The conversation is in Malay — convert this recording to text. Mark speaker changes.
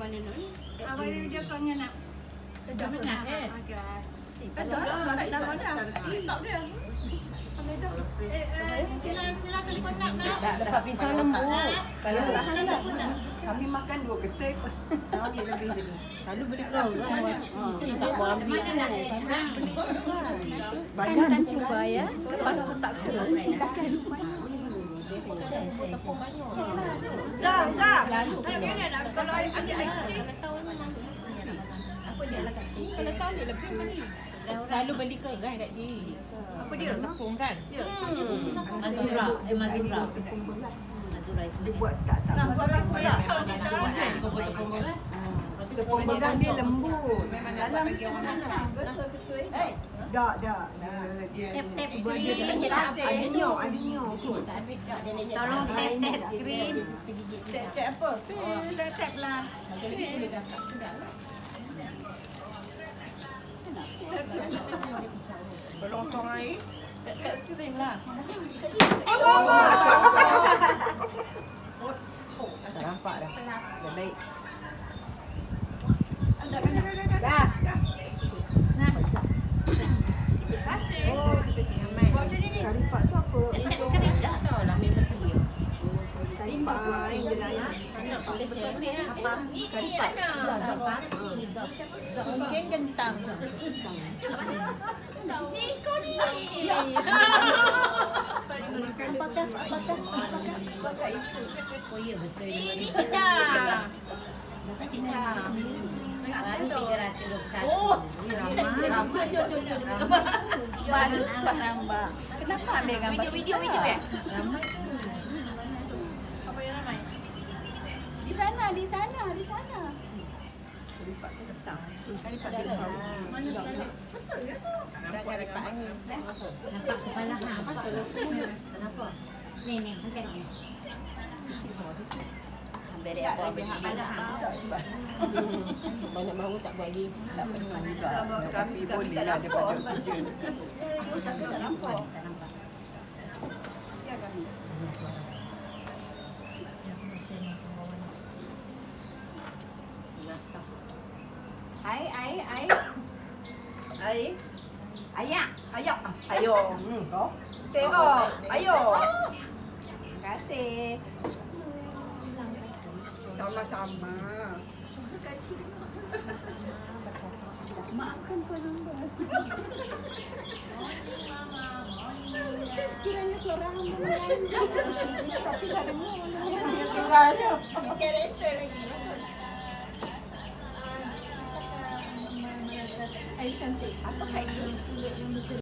Speaker 1: mana Nun?
Speaker 2: Abang ni dia kau nak.
Speaker 3: Dah nak
Speaker 2: Ada dah nama dah. Tak dia. Sila telefon nak.
Speaker 3: dapat pisang lembu.
Speaker 2: Kalau kami makan 2 ketik.
Speaker 3: Selalu beli kau kan. Tak mau ambil.
Speaker 2: Banyak
Speaker 1: Kan cuba ya. Kalau tak kurang.
Speaker 2: Dah. Kalau adik-adik
Speaker 1: Apa dia lah kat sini? Kalau tahu dia lebih mana?
Speaker 3: Selalu beli kau kan Kak Cik.
Speaker 1: Apa dia?
Speaker 3: Tepung kan?
Speaker 4: Mazura
Speaker 2: Mazura
Speaker 4: Mazura
Speaker 2: dia buat tak
Speaker 1: Buat ras pula.
Speaker 2: tepung begang dia lembut.
Speaker 3: Memang nak buat bagi orang masak.
Speaker 2: Dak.
Speaker 1: Tap-tap
Speaker 2: Buat dia ada nyok kot.
Speaker 1: Tolong tap-tap skrin.
Speaker 2: Tap apa? Tap lah. Berlontong air. Tap skrin lah.
Speaker 3: Tak nampak dah. Dah baik.
Speaker 2: Dah. Kari pak tu apa? Kari pak yang dia layan. Kari pak.
Speaker 3: Mungkin kentang.
Speaker 4: Oh ya betul.
Speaker 1: Ini kita.
Speaker 4: Baru 321.
Speaker 1: Oh.
Speaker 4: Ramai.
Speaker 1: Baru Pak Rambak. Kenapa ambil gambar? Video ya?
Speaker 4: Ramai.
Speaker 1: Apa yang ramai? Di sana.
Speaker 2: Kari pak tu kentang. Kari pak dia
Speaker 1: Mana tak?
Speaker 3: Dah cari pak angin.
Speaker 4: Nampak kepala hang. Kenapa? Ni angkat ni. Beri apa kepala hang.
Speaker 3: Banyak mahu tak buat lagi.
Speaker 2: tak pernah juga. Tapi boleh lah daripada kerja.
Speaker 4: Tak nampak.
Speaker 1: Ayak.
Speaker 2: Ayo. Kau?
Speaker 1: Tengok. Ayo. Terima kasih.
Speaker 2: Sama-sama. Makan Pak Kiranya suara hamba lain. Tapi tak ada dia tinggalnya. Kereta lagi. Air cantik. Apa kain?